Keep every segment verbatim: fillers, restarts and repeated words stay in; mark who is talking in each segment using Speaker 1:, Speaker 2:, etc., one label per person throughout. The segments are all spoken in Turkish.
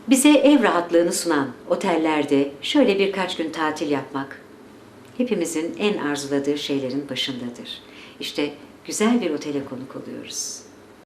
Speaker 1: Bize ev rahatlığını sunan otellerde şöyle birkaç gün tatil yapmak hepimizin en arzuladığı şeylerin başındadır. İşte güzel bir otele konuk oluyoruz.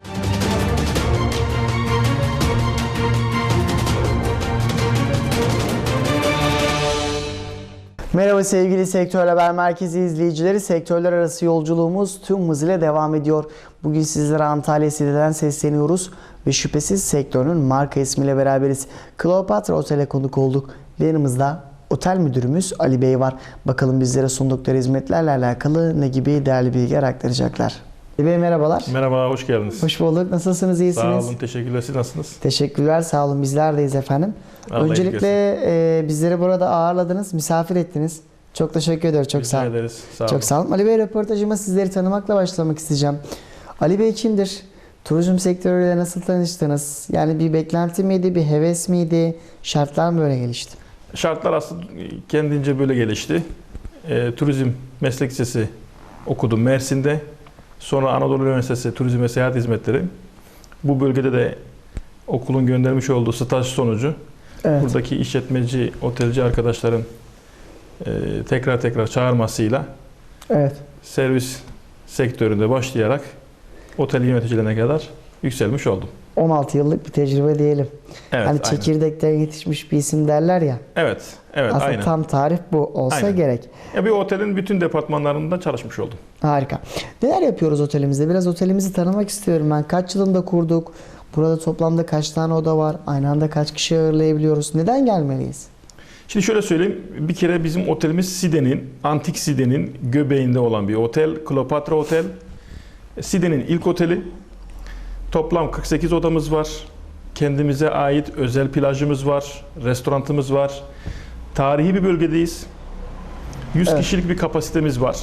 Speaker 2: Merhaba sevgili Sektör Haber Merkezi izleyicileri. Sektörler arası yolculuğumuz tüm hızıyla devam ediyor. Bugün sizlere Antalya Side'den sesleniyoruz ve şüphesiz sektörün marka ismiyle beraberiz. Kleopatra Otel'e konuk olduk ve yanımızda otel müdürümüz Ali Bey var. Bakalım bizlere sundukları hizmetlerle alakalı ne gibi değerli bilgiler aktaracaklar. Ali Bey merhabalar.
Speaker 3: Merhaba, hoş geldiniz.
Speaker 2: Hoş bulduk. Nasılsınız? İyisiniz?
Speaker 3: Sağ olun, teşekkürler. Siz nasılsınız?
Speaker 2: Teşekkürler, sağ olun. Bizler deyiz efendim.
Speaker 3: Allah
Speaker 2: Öncelikle e, bizleri burada ağırladınız, misafir ettiniz. Çok teşekkür ediyorum. Çok
Speaker 3: Rica
Speaker 2: sağ olun.
Speaker 3: ederiz. Sağ
Speaker 2: Çok
Speaker 3: olun.
Speaker 2: sağ olun. Ali Bey, röportajıma sizleri tanımakla başlamak isteyeceğim. Ali Bey kimdir? Turizm sektörüyle nasıl tanıştınız? Yani bir beklenti miydi, bir heves miydi? Şartlar mı böyle gelişti?
Speaker 3: Şartlar aslında kendince böyle gelişti. E, turizm meslek lisesi okudum Mersin'de. Sonra Anadolu Üniversitesi Turizm ve Seyahat Hizmetleri. Bu bölgede de okulun göndermiş olduğu staj sonucu
Speaker 2: Evet.
Speaker 3: buradaki işletmeci, otelci arkadaşların e, tekrar tekrar çağırmasıyla
Speaker 2: Evet.
Speaker 3: servis sektöründe başlayarak otel yöneticilerine kadar yükselmiş oldum.
Speaker 2: on altı yıllık bir tecrübe diyelim.
Speaker 3: Evet,
Speaker 2: hani
Speaker 3: aynen.
Speaker 2: çekirdekten yetişmiş bir isim derler ya.
Speaker 3: Evet, evet,
Speaker 2: Aslında
Speaker 3: aynen.
Speaker 2: tam tarif bu olsa
Speaker 3: Aynen.
Speaker 2: gerek.
Speaker 3: Ya bir otelin bütün departmanlarında çalışmış oldum.
Speaker 2: Harika. Neler yapıyoruz otelimizde? Biraz otelimizi tanımak istiyorum ben. Kaç yılında kurduk? Burada toplamda kaç tane oda var? Aynı anda kaç kişi ağırlayabiliyoruz? Neden gelmeliyiz?
Speaker 3: Şimdi şöyle söyleyeyim. Bir kere bizim otelimiz Side'nin, antik Side'nin göbeğinde olan bir otel. Kleopatra Otel. Side'nin ilk oteli. Toplam kırk sekiz odamız var. Kendimize ait özel plajımız var. Restoranımız var. Tarihi bir bölgedeyiz. yüz
Speaker 2: Evet.
Speaker 3: kişilik bir kapasitemiz var.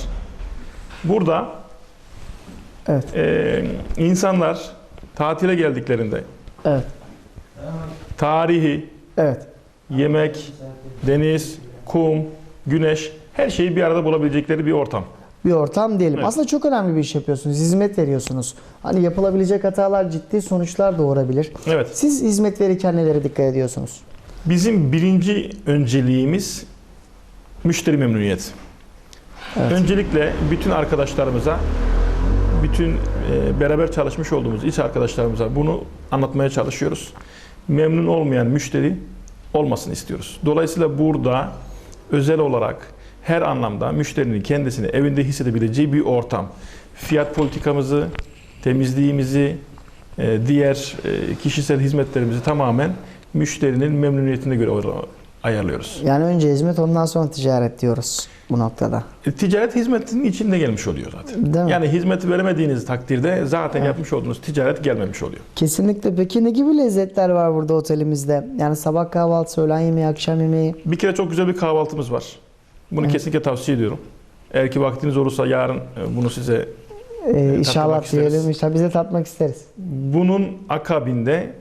Speaker 3: Burada
Speaker 2: Evet.
Speaker 3: e, insanlar tatile geldiklerinde
Speaker 2: Evet.
Speaker 3: tarihi,
Speaker 2: Evet.
Speaker 3: yemek, deniz, kum, güneş, her şeyi bir arada bulabilecekleri bir ortam.
Speaker 2: Bir ortam diyelim.
Speaker 3: Evet.
Speaker 2: Aslında çok önemli bir iş yapıyorsunuz. Hizmet veriyorsunuz. Hani yapılabilecek hatalar ciddi sonuçlar doğurabilir.
Speaker 3: Evet.
Speaker 2: Siz hizmet verirken nelere dikkat ediyorsunuz?
Speaker 3: Bizim birinci önceliğimiz müşteri memnuniyeti.
Speaker 2: Evet.
Speaker 3: Öncelikle bütün arkadaşlarımıza, bütün e, beraber çalışmış olduğumuz iş arkadaşlarımıza bunu anlatmaya çalışıyoruz. Memnun olmayan müşteri olmasını istiyoruz. Dolayısıyla burada özel olarak her anlamda müşterinin kendisini evinde hissedebileceği bir ortam. Fiyat politikamızı, temizliğimizi, e, diğer e, kişisel hizmetlerimizi tamamen müşterinin memnuniyetine göre ayarlıyoruz.
Speaker 2: Yani önce hizmet, ondan sonra ticaret diyoruz bu noktada.
Speaker 3: E, Ticaret hizmetinin içinde gelmiş oluyor zaten.
Speaker 2: Değil mi?
Speaker 3: Yani hizmet veremediğiniz takdirde zaten
Speaker 2: Evet.
Speaker 3: yapmış olduğunuz ticaret gelmemiş oluyor.
Speaker 2: Kesinlikle. Peki ne gibi lezzetler var burada otelimizde? Yani sabah kahvaltısı, öğlen yemeği, akşam yemeği.
Speaker 3: Bir kere çok güzel bir kahvaltımız var. Bunu
Speaker 2: Evet.
Speaker 3: kesinlikle tavsiye ediyorum. Eğer ki vaktiniz olursa yarın e, bunu size
Speaker 2: Ee, inşallah
Speaker 3: isteriz.
Speaker 2: diyelim. İnşallah biz de tatmak isteriz.
Speaker 3: bunun akabinde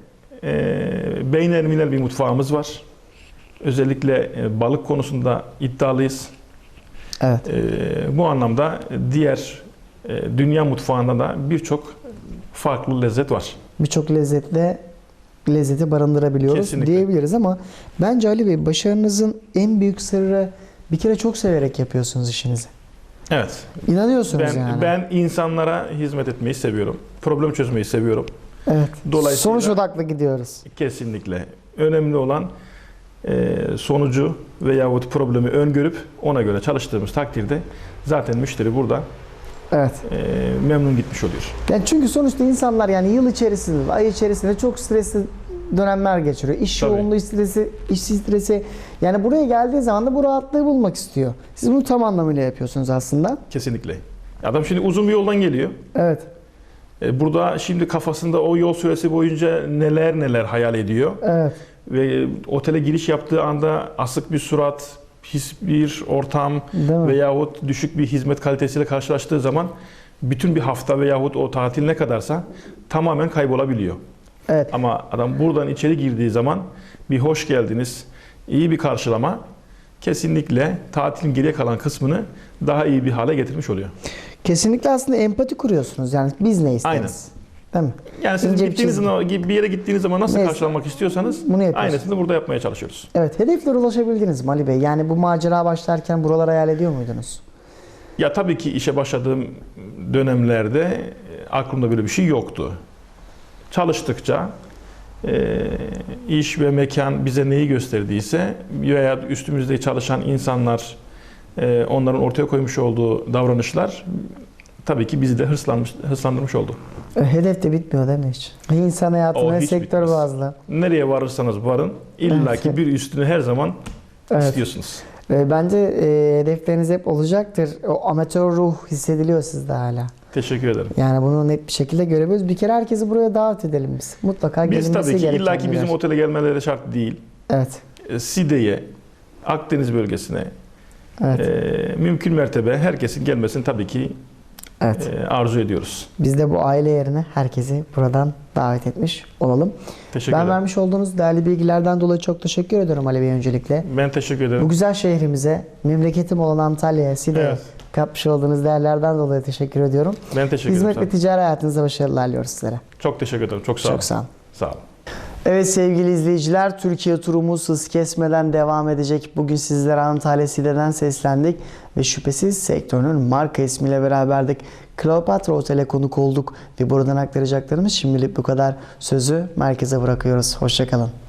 Speaker 3: e, beynelmilel bir mutfağımız var. Özellikle e, balık konusunda iddialıyız.
Speaker 2: Evet.
Speaker 3: E, bu anlamda diğer e, dünya mutfağında da birçok farklı lezzet var.
Speaker 2: Birçok lezzetle lezzeti barındırabiliyoruz
Speaker 3: Kesinlikle.
Speaker 2: diyebiliriz ama bence Ali Bey, başarınızın en büyük sırrı bir kere çok severek yapıyorsunuz işinizi.
Speaker 3: Evet.
Speaker 2: İnanıyorsunuz
Speaker 3: Ben
Speaker 2: yani.
Speaker 3: ben insanlara hizmet etmeyi seviyorum. Problem çözmeyi seviyorum.
Speaker 2: Evet.
Speaker 3: Dolayısıyla-
Speaker 2: Sonuç odaklı gidiyoruz.
Speaker 3: Kesinlikle. Önemli olan e, sonucu veyahut problemi öngörüp ona göre çalıştığımız takdirde zaten müşteri burada
Speaker 2: Evet.
Speaker 3: e, memnun gitmiş oluyor.
Speaker 2: Yani çünkü sonuçta insanlar yani yıl içerisinde, ay içerisinde çok stresli dönemler geçiriyor. İş
Speaker 3: Tabii.
Speaker 2: yoğunluğu stresi, iş stresi. Yani buraya geldiği zaman da bu rahatlığı bulmak istiyor. Siz bunu tam anlamıyla yapıyorsunuz aslında.
Speaker 3: Kesinlikle. Adam şimdi uzun bir yoldan geliyor.
Speaker 2: Evet.
Speaker 3: E, burada şimdi kafasında o yol süresi boyunca neler neler hayal ediyor.
Speaker 2: Evet.
Speaker 3: Ve e, otele giriş yaptığı anda asık bir surat, pis bir ortam
Speaker 2: Değil mi?
Speaker 3: veyahut düşük bir hizmet kalitesiyle karşılaştığı zaman bütün bir hafta veyahut o tatil ne kadarsa tamamen kaybolabiliyor.
Speaker 2: Evet.
Speaker 3: Ama adam buradan içeri girdiği zaman bir hoş geldiniz, iyi bir karşılama kesinlikle tatilin geriye kalan kısmını daha iyi bir hale getirmiş oluyor.
Speaker 2: Kesinlikle aslında empati kuruyorsunuz. Yani biz ne isteriz?
Speaker 3: Aynen.
Speaker 2: Değil mi?
Speaker 3: Yani siz
Speaker 2: İnce bir
Speaker 3: gittiğiniz
Speaker 2: çizgi.
Speaker 3: zaman, bir yere gittiğiniz zaman nasıl
Speaker 2: Neyse.
Speaker 3: karşılanmak istiyorsanız
Speaker 2: Bunu yapıyorsunuz.
Speaker 3: aynısını burada yapmaya çalışıyoruz.
Speaker 2: Evet, hedeflere ulaşabildiniz mi Ali Bey? Yani bu macera başlarken buraları hayal ediyor muydunuz?
Speaker 3: Ya tabii ki işe başladığım dönemlerde e, aklımda böyle bir şey yoktu. Çalıştıkça e, iş ve mekan bize neyi gösterdiyse veya üstümüzde çalışan insanlar, e, onların ortaya koymuş olduğu davranışlar tabii ki bizi de hırslanmış, hırslandırmış oldu.
Speaker 2: E, Hedef de bitmiyor değil mi hiç? İnsan
Speaker 3: O
Speaker 2: hayatında
Speaker 3: hiç
Speaker 2: sektör
Speaker 3: bitmez.
Speaker 2: bazlı.
Speaker 3: Nereye varırsanız varın, illaki bir üstünü her zaman
Speaker 2: Evet.
Speaker 3: istiyorsunuz.
Speaker 2: E, Bence e, hedefleriniz hep olacaktır. O amatör ruh hissediliyor sizde hala.
Speaker 3: Teşekkür ederim.
Speaker 2: Yani bunu net bir şekilde görebiliyoruz. Bir kere herkesi buraya davet edelim biz. Mutlaka
Speaker 3: Biz
Speaker 2: gelinmesi
Speaker 3: tabii ki
Speaker 2: gereken
Speaker 3: illaki
Speaker 2: bir
Speaker 3: bizim
Speaker 2: yer.
Speaker 3: otele gelmeleri şart değil.
Speaker 2: Evet.
Speaker 3: E, Side'ye, Akdeniz bölgesine,
Speaker 2: Evet.
Speaker 3: e, mümkün mertebe herkesin gelmesini tabii ki
Speaker 2: Evet.
Speaker 3: e, arzu ediyoruz.
Speaker 2: Biz de bu aile yerine herkesi buradan davet etmiş olalım.
Speaker 3: Teşekkür
Speaker 2: Ben
Speaker 3: ederim.
Speaker 2: vermiş olduğunuz değerli bilgilerden dolayı çok teşekkür ediyorum Ali Bey öncelikle.
Speaker 3: Ben teşekkür ederim.
Speaker 2: Bu güzel şehrimize, memleketim olan Antalya'ya, Side'ye
Speaker 3: Evet.
Speaker 2: katmış olduğunuz değerlerden dolayı teşekkür ediyorum.
Speaker 3: Ben teşekkür
Speaker 2: Hizmet
Speaker 3: ederim.
Speaker 2: ve ticari hayatınızda başarılar diliyoruz sizlere.
Speaker 3: Çok teşekkür ederim. Çok sağ olun.
Speaker 2: Çok sağ olun.
Speaker 3: Sağ olun.
Speaker 2: Evet sevgili izleyiciler, Türkiye turumuz hız kesmeden devam edecek. Bugün sizlere Antalya Side'den seslendik ve şüphesiz sektörün marka ismiyle beraberdik. Kleopatra Otel'e konuk olduk ve buradan aktaracaklarımız şimdilik bu kadar. Sözü merkeze bırakıyoruz. Hoşça kalın.